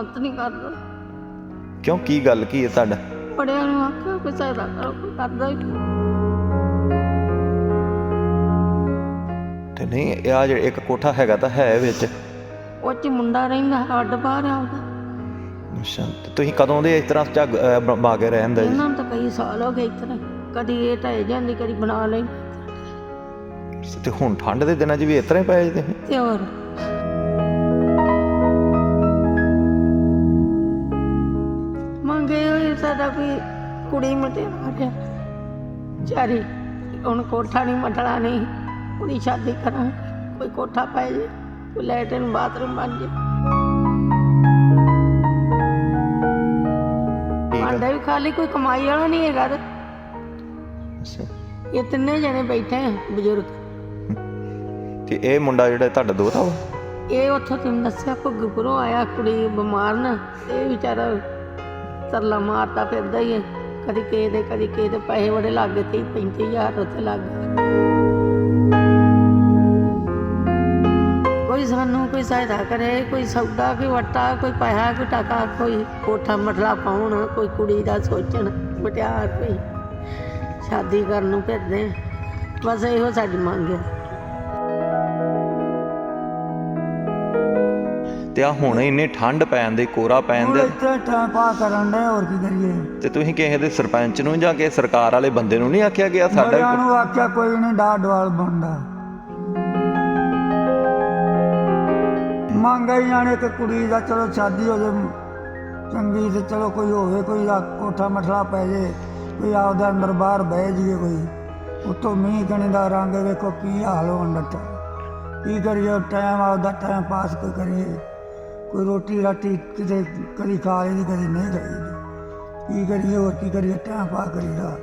मदद नहीं करता। क्यों की गल की है तुहाडा? बड़िया नूं आखिया कोई सहायता करो, कोई करदा ही नहीं। ते नहीं आ जे एक कोठा हैगा तां है विच। ਉਹ 'ਚ ਮੁੰਡਾ ਰਹਿੰਦਾ, ਅੱਡ ਬਾਹਰ ਆਉਂਦਾ। ਅੱਛਾ ਤੇ ਤੁਸੀਂ ਕਦੋਂ ਦੇ ਇਸ ਤਰ੍ਹਾਂ ਝੱਗ ਬਾ ਕੇ ਰਹਿੰਦੇ ਜੀ? ਇਹਨਾਂ ਨੂੰ ਤਾਂ ਕਈ ਸਾਲ ਹੋ ਗਏ ਇਸ ਤਰ੍ਹਾਂ, ਕਦੀ ਇਹ ਢਹਿ ਜਾਂਦੀ, ਕਦੀ ਬਣਾ ਲਈ। ਤੇ ਹੁਣ ਠੰਡ ਦੇ ਦਿਨਾਂ 'ਚ ਵੀ ਇਸ ਤਰ੍ਹਾਂ ਹੀ ਪਏ ਜੀ ਤੁਸੀਂ? ਤੇ ਹੋਰ ਮੰਗੇ ਹੋਏ ਸਾਡਾ ਕੋਈ ਕੁੜੀ ਮਟਿਆਰ ਆ ਚਾਰੀ, ਹੁਣ ਕੋਠਾ ਨਹੀਂ ਮਟਣਾ, ਨਹੀਂ ਕੁੜੀ ਸ਼ਾਦੀ ਕਰਾਂ, ਕੋਈ ਕੋਠਾ ਪੈ ਜੇ, ਕੋਈ ਲੈਟਰਿਨ ਬਾਥਰੂਮ ਬਣ ਜੇ, ਭਾਂਡੇ ਵੀ ਖਾਲੀ, ਕੋਈ ਕਮਾਈ ਵਾਲਾ ਨਹੀਂ ਹੈਗਾ। ਤੇ ਅੱਛਾ ਇਹ ਤਿੰਨੇ ਜਣੇ ਬੈਠੇ ਆ ਬਜ਼ੁਰਗ। ਤੇ ਇਹ ਮੁੰਡਾ ਜਿਹੜਾ ਤੁਹਾਡਾ ਦੋਤਾ ਵਾ? ਇਹ ਉੱਥੋਂ ਤੈਨੂੰ ਦੱਸਿਆ ਭੁੱਗਪੁਰੋਂ ਆਇਆ, ਕੁੜੀ ਬਿਮਾਰ ਨਾ, ਇਹ ਵਿਚਾਰਾ ਤਰਲਾ ਮਾਰਦਾ ਫਿਰਦਾ ਹੀ ਹੈ, ਕਦੀ ਕਿਸੇ ਦੇ ਕਦੀ ਕਿਸੇ ਦੇ। ਪੈਸੇ ਬੜੇ ਲੱਗ ਗਏ, 30-35 ਹਜ਼ਾਰ ਉੱਥੇ ਲੱਗ ਗਏ। ਕੋਈ ਸਾਨੂੰ ਕੋਈ ਸਹਾਇਤਾ ਕਰੇ, ਕੋਈ ਸੌਦਾ, ਕੋਈ ਵੱਟਾ, ਕੋਈ ਪੈਸਾ, ਕੋਈ ਟਕਾ, ਕੋਈ ਕੋਠਾ ਮਟਲਾ ਪਾਉਣ, ਕੋਈ ਕੁੜੀ ਦਾ ਸੋਚਣ, ਮਟਿਆਰ ਕੋਈ ਸ਼ਾਦੀ ਕਰਨ ਨੂੰ ਫਿਰਦੇ। ਬਸ ਇਹੋ ਸਾਡੀ ਮੰਗ ਹੈ। ਤੇ ਆ ਹੁਣ ਇੰਨੀ ਠੰਡ ਪੈਣ ਦੀ, ਕੋਰਾ ਪੈਣ ਦੇ, ਇੱਥੇ ਟਾਈਮ ਪਾਸ ਕਰਨ ਦੇ, ਹੋਰ ਕੀ ਕਰੀਏ। ਤੇ ਤੁਸੀਂ ਕਿਸੇ ਦੇ ਸਰਪੰਚ ਨੂੰ ਜਾਂ ਕਿਸੇ ਸਰਕਾਰ ਵਾਲੇ ਬੰਦੇ ਨੂੰ ਨਹੀਂ ਆਖਿਆ ਗਿਆ? ਸਾਡਾ ਬੜਿਆਂ ਨੂੰ ਆਖਿਆ, ਕੋਈ ਨਹੀਂ ਡਾਹ ਡਵਾਲ ਬਣਦਾ। ਮੰਗ ਹੀ ਜਾਣੇ ਕਿ ਕੁੜੀ ਦਾ ਚਲੋ ਸ਼ਾਦੀ ਹੋ ਜੇ ਚੰਗੀ, ਤੇ ਚਲੋ ਕੋਈ ਹੋਵੇ, ਕੋਈ ਕੋਠਾ ਮਠਲਾ ਪੈ ਜੇ, ਕੋਈ ਆਪਦਾ ਅੰਦਰ ਬਾਹਰ ਬਹਿ ਜਾਈਏ। ਕੋਈ ਉੱਤੋਂ ਮੀਂਹ ਕਣੀ ਦਾ ਰੰਗ ਵੇਖੋ ਕੀ ਹਾਲ ਹੋਣ ਲੱਗਾ। ਕੀ ਕਰੀਏ, ਟਾਈਮ ਆਪਦਾ ਟਾਈਮ ਪਾਸ ਕੋਈ ਕਰੀਏ। ਕੋਈ ਰੋਟੀ ਰਾਟੀ ਕਿਤੇ ਕਦੀ ਖਾ ਲਈ, ਕਦੀ ਨਹੀਂ ਖਾਈ। ਕੀ ਕਰੀਏ, ਹੋਰ ਕੀ ਕਰੀਏ, ਟਾਈਮ ਪਾਸ ਕਰੀਦਾ।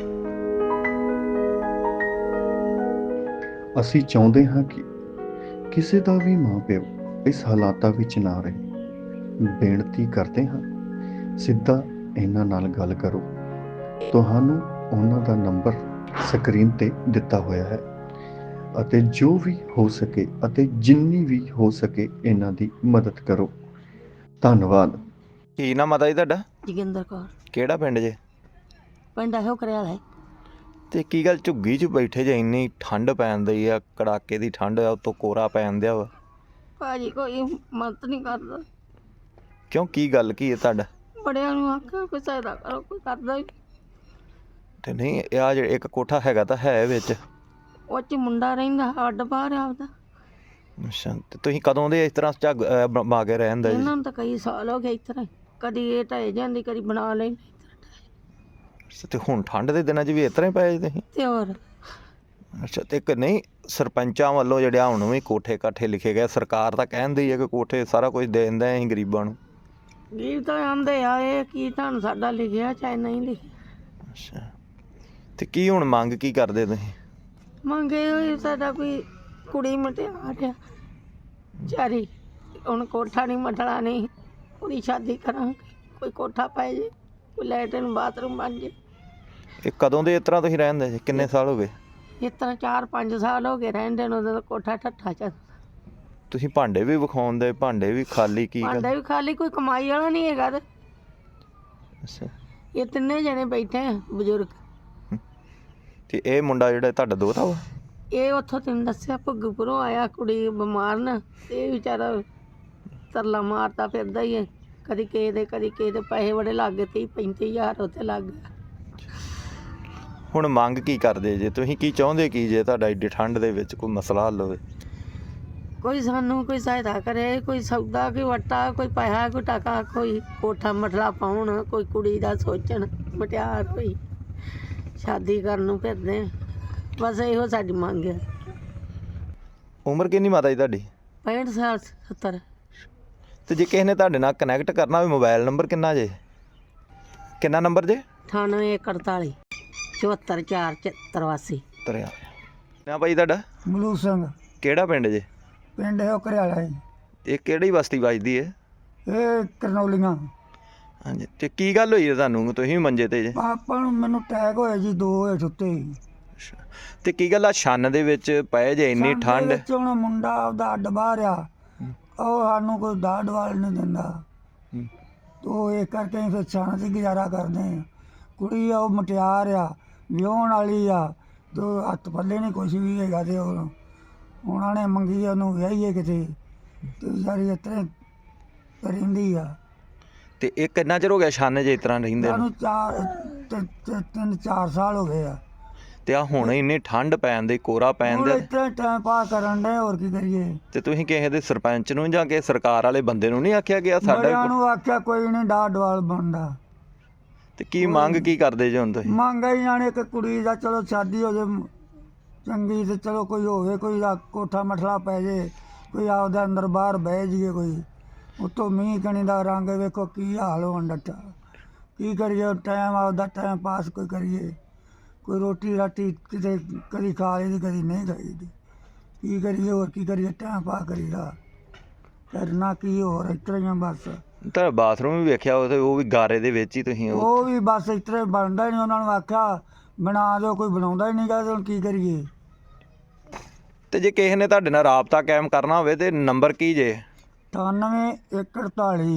ਅਸੀਂ ਚਾਹੁੰਦੇ ਹਾਂ ਕਿ ਕਿਸੇ ਦਾ ਵੀ ਮਾਂ ਪਿਓ ਇਸ ਹਾਲਾਤਾਂ ਵਿੱਚ ਨਾ ਰਹੇ। ਬੇਨਤੀ ਕਰਦੇ ਹਾਂ, ਸਿੱਧਾ ਇਹਨਾਂ ਨਾਲ ਗੱਲ ਕਰੋ। ਤੁਹਾਨੂੰ ਉਹਨਾਂ ਦਾ ਨੰਬਰ ਸਕਰੀਨ ਤੇ ਦਿੱਤਾ ਹੋਇਆ ਹੈ, ਅਤੇ ਜੋ ਵੀ ਹੋ ਸਕੇ ਅਤੇ ਜਿੰਨੀ ਵੀ ਹੋ ਸਕੇ ਇਹਨਾਂ ਦੀ ਮਦਦ ਕਰੋ। ਧੰਨਵਾਦ। ਕੀ ਨਾਮ ਮਾਤਾ ਜੀ ਤੁਹਾਡਾ? ਜੋਗਿੰਦਰ ਕੌਰ, ਕਿਹੜਾ ਪਿੰਡ ਜੇ? ਪਿੰਡ ਇਹੋ ਕਰਿਆ ਹੈ। ਤੇ ਕੀ ਗੱਲ ਝੁੱਗੀ 'ਚ ਬੈਠੇ ਜੇ? ਇੰਨੀ ਠੰਡ ਪੈਣ ਦੀ ਆ, ਕੜਾਕੇ ਦੀ ਠੰਡ ਆ, ਉੱਤੋਂ ਕੋਰਾ ਪੈਣ ਦਿਆ ਵਾ। ਭਾਜੀ ਕੋਈ ਮਦਦ ਨਹੀਂ ਕਰਦਾ। ਕਿਉਂ ਕੀ ਗੱਲ ਕੀ ਹੈ ਤੁਹਾਡਾ? ਬੜਿਆਂ ਨੂੰ ਆਖਿਆ ਕੋਈ ਸਹਾਇਤਾ ਕਰੋ, ਕੋਈ ਕਰਦਾ ਹੀ ਨਹੀਂ। ਤੇ ਨਹੀਂ ਆ ਜੇ ਇੱਕ ਕੋਠਾ ਹੈਗਾ ਤਾਂ ਹੈ ਵਿੱਚ। ਉਹ 'ਚ ਮੁੰਡਾ ਰਹਿੰਦਾ, ਅੱਡ ਬਾਹਰ ਆਉਂਦਾ। ਅੱਛਾ ਤੇ ਤੁਸੀਂ ਕਦੋਂ ਦੇ ਇਸ ਤਰ੍ਹਾਂ ਝੱਗ ਬਾ ਕੇ ਰਹਿੰਦੇ ਜੀ? ਇਹਨਾਂ ਨੂੰ ਤਾਂ ਕਈ ਸਾਲ ਹੋ ਗਏ ਇਸ ਤਰ੍ਹਾਂ, ਕਦੀ ਇਹ ਢਹਿ ਜਾਂਦੀ, ਕਦੀ ਬਣਾ ਲਈ। ਤੇ ਹੁਣ ਠੰਡ ਦੇ ਦਿਨਾਂ 'ਚ ਵੀ ਇਸ ਤਰ੍ਹਾਂ ਹੀ ਪਏ ਜੀ ਤੁਸੀਂ? ਤੇ ਹੋਰ ਅੱਛਾ ਤੇ ਇੱਕ ਨਹੀਂ ਸਰਪੰਚਾਂ ਵੱਲੋਂ ਜਿਹੜੇ ਹੁਣ ਵੀ ਕੋਠੇ ਕਾਠੇ ਲਿਖੇ ਗਏ, ਸਰਕਾਰ ਤਾਂ ਕਹਿੰਦੀ ਹੈ ਕਿ ਕੋਠੇ ਸਾਰਾ ਕੁਝ ਦੇ ਦਿੰਦੇ ਅਸੀਂ ਗਰੀਬਾਂ ਨੂੰ। ਗੀਤ ਤਾਂ ਆਉਂਦੇ ਆ, ਇਹ ਕੀ ਤੁਹਾਨੂੰ ਸਾਡਾ ਲਿਖਿਆ ਚਾਹੇ ਨਹੀਂ ਲਿਖਿਆ। ਅੱਛਾ ਤੇ ਕੀ ਹੁਣ ਮੰਗ ਕੀ ਕਰਦੇ ਤੁਸੀਂ? ਮੰਗੇ ਹੋਏ ਸਾਡਾ ਕੋਈ ਕੁੜੀ ਮਟਿਆਰ ਆ ਚਾਰੀ, ਹੁਣ ਕੋਠਾ ਨਹੀਂ ਮਟਣਾ, ਨਹੀਂ ਕੁੜੀ ਸ਼ਾਦੀ ਕਰਾਂ, ਕੋਈ ਕੋਠਾ ਪੈ ਜੇ, ਕੋਈ ਲੈਟਰਿਨ ਬਾਥਰੂਮ ਬਣ ਜੇ। ਇਹ ਕਦੋਂ ਦੇ ਇਸ ਤਰ੍ਹਾਂ ਤੁਸੀਂ ਰਹਿੰਦੇ ਜੀ? ਕਿੰਨੇ ਸਾਲ ਹੋ ਗਏ? ਇਸ ਤਰ੍ਹਾਂ 4-5 ਸਾਲ ਹੋ ਗਏ ਰਹਿੰਦੇ ਨੂੰ। ਉਦੋਂ ਤਾਂ ਕੋਠਾ ਠੱਠਾ ਚ ਤੁਸੀਂ ਭਾਂਡੇ ਵੀ ਵਿਖਾਉਂਦੇ, ਭਾਂਡੇ ਵੀ ਖਾਲੀ, ਕੀ ਗੱਲ? ਭਾਂਡੇ ਵੀ ਖਾਲੀ, ਕੋਈ ਕਮਾਈ ਵਾਲਾ ਨਹੀਂ ਹੈਗਾ। ਤੇ ਅੱਛਾ ਇਹ ਤਿੰਨੇ ਜਣੇ ਬੈਠੇ ਆ ਬਜ਼ੁਰਗ। ਤੇ ਇਹ ਮੁੰਡਾ ਜਿਹੜਾ ਤੁਹਾਡਾ ਦੋਤਾ ਵਾ? ਇਹ ਉੱਥੋਂ ਤੈਨੂੰ ਦੱਸਿਆ ਭੁੱਗਪੁਰੋਂ ਆਇਆ, ਕੁੜੀ ਬਿਮਾਰ ਨਾ, ਇਹ ਵਿਚਾਰਾ ਤਰਲਾ ਮਾਰਦਾ ਫਿਰਦਾ ਹੀ ਹੈ, ਕਦੀ ਕਿਸੇ ਦੇ ਕਦੀ ਕਿਸੇ ਦੇ। ਪੈਸੇ ਬੜੇ ਲੱਗ ਗਏ, 30-35 ਹਜ਼ਾਰ ਉੱਥੇ ਲੱਗ ਗਏ। ਹੁਣ ਮੰਗ ਕੀ ਕਰਦੇ ਜੇ ਤੁਸੀਂ? ਕੀ ਚਾਹੁੰਦੇ ਕੀ ਜੇ ਤੁਹਾਡਾ ਐਡੀ ਠੰਡ ਦੇ ਵਿੱਚ ਕੋਈ ਮਸਲਾ ਹੱਲ ਹੋਵੇ? ਕੋਈ ਸਾਨੂੰ ਕੋਈ ਸਹਾਇਤਾ ਕਰੇ, ਕੋਈ ਸੌਦਾ, ਕੋਈ ਵੱਟਾ, ਕੋਈ ਪੈਸਾ, ਕੋਈ ਟਕਾ, ਕੋਈ ਕੋਠਾ ਮਟਲਾ ਪਾਉਣ, ਕੋਈ ਕੁੜੀ ਦਾ ਸੋਚਣ, ਮਟਿਆਰ ਕੋਈ ਸ਼ਾਦੀ ਕਰਨ ਨੂੰ ਫਿਰਦੇ। ਬਸ ਇਹੋ ਸਾਡੀ ਮੰਗ ਹੈ। ਉਮਰ ਕਿੰਨੀ ਮਾਤਾ ਜੀ ਤੁਹਾਡੀ? 65 ਸਾਲ 70। ਤੇ ਜੇ ਕਿਸੇ ਨੇ ਤੁਹਾਡੇ ਨਾਲ ਕਨੈਕਟ ਕਰਨਾ ਹੋਵੇ, ਮੋਬਾਈਲ ਨੰਬਰ ਕਿੰਨਾ ਜੇ? ਕਿੰਨਾ ਨੰਬਰ ਜੇ? 98 41 74 483। ਤਰਿਆ ਨਾ ਭਾਈ ਤੁਹਾਡਾ? ਮਲੂਕ ਸਿੰਘ, ਕਿਹੜਾ ਪਿੰਡ ਜੇ? ਪਿੰਡ ਇਹੋ ਕਰਿਆਲਾ ਹੈ। ਇਹ ਕਿਹੜੀ ਬਸਤੀ ਵੱਜਦੀ ਹੈ? ਇਹ ਕਰਨੌਲੀਆਂ। ਹਾਂਜੀ ਤੇ ਕੀ ਗੱਲ ਹੋਈ ਹੈ ਤੁਹਾਨੂੰ? ਤੁਸੀਂ ਵੀ ਮੰਜੇ ਤੇ ਜੇ? ਆਪਾਂ ਨੂੰ ਮੈਨੂੰ ਅਟੈਕ ਹੋਇਆ ਜੀ, 2 ਹੋਏ ਸੁੱਤੇ। ਤੇ ਕੀ ਗੱਲ ਆ ਛੰਨ ਦੇ ਵਿੱਚ ਪਏ ਜੇ ਇੰਨੀ ਠੰਡ? ਵਿੱਚ ਹੁਣ ਮੁੰਡਾ ਆਪਦਾ ਅੱਡ ਬਾਹਰ ਆ, ਉਹ ਸਾਨੂੰ ਕੋਈ ਡਾਹ ਡਵਾਲ ਨਹੀਂ ਦਿੰਦਾ। ਹੂੰ। ਤੋ ਇਹ ਕਰਕੇ ਅਸੀਂ ਫਿਰ ਛਾਂ 'ਤੇ ਗੁਜ਼ਾਰਾ ਕਰਦੇ ਹਾਂ। ਕੁੜੀ ਆ ਉਹ ਮੁਟਿਆਰ ਆ, ਵਿਆਹੁਣ ਵਾਲੀ ਆ, ਤੋ ਹੱਥ ਪੱਲੇ ਨਹੀਂ ਕੁਛ ਵੀ ਹੈਗਾ, ਤੇ ਉਹ ਉਹਨਾਂ ਨੇ ਮੰਗੀ ਆ, ਉਹਨੂੰ ਵਿਆਹੀਏ ਕਿਤੇ, ਤੇ ਵਿਚਾਰੀ ਇਸ ਤਰ੍ਹਾਂ ਰਹਿੰਦੀ ਆ। ਤੇ ਇਹ ਕਿੰਨਾ ਚਿਰ ਹੋ ਗਿਆ ਛੰਨ 'ਚ ਇਸ ਤਰ੍ਹਾਂ ਰਹਿੰਦੇ ਨੂੰ? ਸਾਨੂੰ 3-4 ਸਾਲ ਹੋ ਗਏ ਆ। ਤੇ ਆ ਹੁਣ ਇੰਨੀ ਠੰਡ ਪੈਣ ਦੀ, ਕੋਰਾ ਪੈਣ ਹੁਣ ਦੇ, ਇਸ ਤਰ੍ਹਾਂ ਟਾਈਮ ਪਾਸ ਕਰਨ ਦੇ, ਹੋਰ ਕੀ ਕਰੀਏ। ਤੇ ਤੁਸੀਂ ਕਿਸੇ ਦੇ ਸਰਪੰਚ ਨੂੰ ਜਾਂ ਕਿਸੇ ਸਰਕਾਰ ਵਾਲੇ ਬੰਦੇ ਨੂੰ ਨਹੀਂ ਆਖਿਆ ਗਿਆ ਸਾਡਾ ਬੜਿਆਂ ਵੀ ਨੂੰ ਆਖਿਆ, ਕੋਈ ਨਹੀਂ ਡਾਹ ਡਵਾਲ ਬਣਦਾ। ਤੇ ਕੀ ਮੰਗ ਕੀ ਕਰਦੇ ਜੇ ਹੁਣ ਤੁਸੀਂ? ਮੰਗਾ ਹੀ ਜਾਣੇ ਕਿ ਕੁੜੀ ਦਾ ਚਲੋ ਸ਼ਾਦੀ ਹੋ ਜੇ ਚੰਗੀ, ਤੇ ਚਲੋ ਕੋਈ ਹੋਵੇ, ਕੋਈ ਕੋਠਾ ਮਠਲਾ ਪੈ ਜੇ, ਕੋਈ ਆਪਦਾ ਅੰਦਰ ਬਾਹਰ ਬਹਿ ਜਾਈਏ, ਕੋਈ ਉੱਤੋਂ ਮੀਂਹ ਕਣੀ ਦਾ ਰੰਗ ਵੇਖੋ ਕੀ ਹਾਲ ਹੋਣ ਡੱਟਾ। ਕੀ ਕਰੀਏ, ਟਾਈਮ ਆਪਦਾ ਟਾਈਮ ਪਾਸ ਕੋਈ ਕਰੀਏ, ਕੋਈ ਰੋਟੀ ਰਾਟੀ ਕਿਤੇ ਕਦੀ ਖਾ ਲਈ ਦੀ, ਕਦੀ ਨਹੀਂ ਖਾਈ ਦੀ। ਕੀ ਕਰੀਏ, ਹੋਰ ਕੀ ਕਰੀਏ, ਟਾਈਮ ਪਾਸ ਕਰੀਦਾ, ਕਰਨਾ ਕੀ, ਹੋਰ ਇਸ ਤਰ੍ਹਾਂ ਹੀ ਆ ਬਸ। ਤਾਂ ਬਾਥਰੂਮ ਵੀ ਵੇਖਿਆ ਉਹ ਵੀ ਗਾਰੇ ਦੇ ਵਿੱਚ ਹੀ ਤੁਸੀਂ ਉਹ ਵੀ ਬਸ ਇਸ ਤਰ੍ਹਾਂ ਹੀ ਬਣਦਾ ਹੀ ਨਹੀਂ। ਉਹਨਾਂ ਨੂੰ ਆਖਿਆ ਬਣਾ ਦਿਓ, ਕੋਈ ਬਣਾਉਂਦਾ ਹੀ ਨਹੀਂ ਗਾ, ਤੇ ਹੁਣ ਕੀ ਕਰੀਏ। ਤੇ ਜੇ ਕਿਸੇ ਨੇ ਤੁਹਾਡੇ ਨਾਲ ਰਾਬਤਾ ਕਾਇਮ ਕਰਨਾ ਹੋਵੇ ਤੇ ਨੰਬਰ ਕੀ ਜੇ? 98-148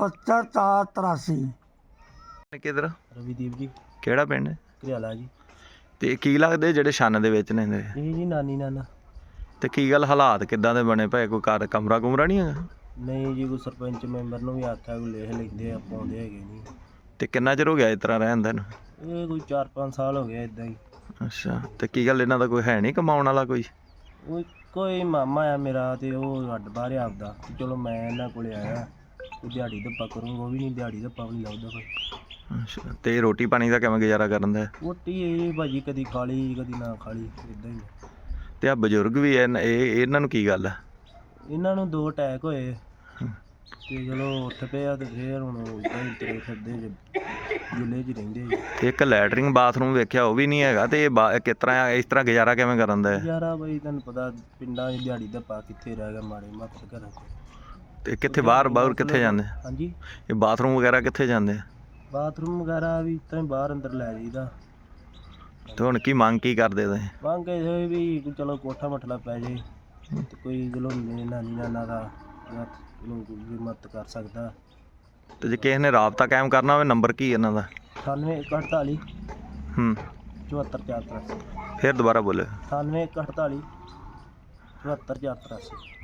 74-83। ਕਿਧਰ? ਰਵੀਦੀਪ ਜੀ, ਕਿਹੜਾ ਪਿੰਡ ਹੈ? ਘਰਿਆਲਾ ਜੀ। ਤੇ ਕੀ ਲੱਗਦੇ ਜਿਹੜੇ ਛੰਨ ਦੇ ਵਿੱਚ ਨੇ ਇਹਦੇ? ਇਹ ਜੀ ਨਾਨੀ ਨਾਨਾ। ਤੇ ਕੀ ਗੱਲ, ਹਾਲਾਤ ਕਿੱਦਾਂ ਦੇ ਬਣੇ ਪਏ? ਕੋਈ ਘਰ ਕਮਰਾ ਕੁਮਰਾ ਨਹੀਂ ਹੈਗਾ? ਨਹੀਂ ਜੀ, ਕੋਈ ਸਰਪੰਚ ਮੈਂਬਰ ਨੂੰ ਵੀ ਆਖਿਆ, ਕੋਈ ਲਿਖ ਲੈਂਦੇ ਆ, ਪਾਉਂਦੇ ਹੈਗੇ ਨਹੀਂ। ਤੇ ਕਿੰਨਾ ਚਿਰ ਹੋ ਗਿਆ ਇਸ ਤਰ੍ਹਾਂ ਰਹਿੰਦੇ ਨੂੰ? ਇਹ ਕੋਈ 4-5 ਸਾਲ ਹੋ ਗਏ ਇਦਾਂ ਹੀ। ਅੱਛਾ, ਤੇ ਕੀ ਗੱਲ ਇਹਨਾਂ ਦਾ ਕੋਈ ਹੈ ਨਹੀਂ ਕਮਾਉਣ ਵਾਲਾ ਕੋਈ? ਉਹ ਕੋਈ ਮਾਮਾ ਆ ਮੇਰਾ, ਤੇ ਉਹ ਅੱਡ ਬਾਹਰ ਆ ਆਪਦਾ, ਚਲੋ ਮੈਂ ਇਹਨਾਂ ਕੋਲੇ ਆਇਆ, ਕੋਈ ਦਿਹਾੜੀ ਧੱਪਾ ਕਰੂੰਗਾ, ਉਹ ਵੀ ਨਹੀਂ, ਦਿਹਾੜੀ ਧੱਪਾ ਵੀ ਨਹੀਂ ਲੱਭਦਾ ਕੋਈ। ਅੱਛਾ, ਤੇ ਰੋਟੀ ਪਾਣੀ ਦਾ ਕਿਵੇਂ ਗੁਜ਼ਾਰਾ ਕਰਨ ਦਾ? ਰੋਟੀ ਇਹ ਭਾਜੀ ਕਦੀ ਖਾ ਲਈ, ਕਦੀ ਨਾ ਖਾ ਲਈ, ਇਦਾਂ ਹੀ। ਤੇ ਆ ਬਜ਼ੁਰਗ ਵੀ ਇਹ ਇਹਨਾਂ ਨੂੰ ਕੀ ਗੱਲ ਆ? ਇਹਨਾਂ ਨੂੰ 2 ਅਟੈਕ ਹੋਏ, ਤੇ ਚਲੋ ਉੱਠ ਪਏ ਆ, ਤੇ ਫੇਰ ਹੁਣ ਇਦਾਂ ਹੀ ਤੁਰੇ ਫਿਰਦੇ ਜੇ, ਜੁਲੇ 'ਚ ਰਹਿੰਦੇ ਜੀ। ਤੇ ਇੱਕ ਲੈਟਰਿੰਗ ਬਾਥਰੂਮ ਵੇਖਿਆ, ਉਹ ਵੀ ਨਹੀਂ ਹੈਗਾ, ਤੇ ਇਹ ਕਿਸ ਤਰ੍ਹਾਂ ਇਸ ਤਰ੍ਹਾਂ ਗੁਜ਼ਾਰਾ ਕਿਵੇਂ ਕਰਨ ਦਾ? ਯਾਰਾ ਬਈ ਤੁਹਾਨੂੰ ਪਤਾ, ਪਿੰਡਾਂ 'ਚ ਦਿਹਾੜੀ ਧੱਪਾ ਕਿੱਥੇ ਰਹਿ ਗਿਆ, ਮਾੜੇ ਮਾਤਰ ਘਰਾਂ 'ਚ। ਤੇ ਕਿੱਥੇ ਬਾਹਰ ਕਿੱਥੇ ਜਾਂਦੇ? ਹਾਂਜੀ, ਇਹ ਬਾਥਰੂਮ ਵਗੈਰਾ ਕਿੱਥੇ ਜਾਂਦੇ? ਬਾਥਰੂਮ ਵਗੈਰਾ ਵੀ ਤਾਂ ਬਾਹਰ ਅੰਦਰ ਲੈ ਜਾਈਦਾ। ਤੇ ਹੁਣ ਕੀ ਮੰਗ ਕੀ ਕਰਦੇ ਤੁਸੀਂ? ਮੰਗ ਇਹ ਹੋਈ ਵੀ ਕੋਈ ਚਲੋ ਕੋਠਾ ਮਠਲਾ ਪੈ ਜੇ, ਤੇ ਕੋਈ ਚਲੋ ਨਾਨੀ ਨਾਨਾ ਦਾ ਚਲੋ ਕੋਈ ਮਦਦ ਕਰ ਸਕਦਾ। ਤੇ ਜੇ ਕਿਸੇ ਨੇ ਰਾਬਤਾ ਕਾਇਮ ਕਰਨਾ ਹੋਵੇ, ਨੰਬਰ ਕੀ ਇਹਨਾਂ ਦਾ? 98-148 ਹੂੰ 74-483। ਫਿਰ ਦੁਬਾਰਾ ਬੋਲੇ। 98-148 74-483।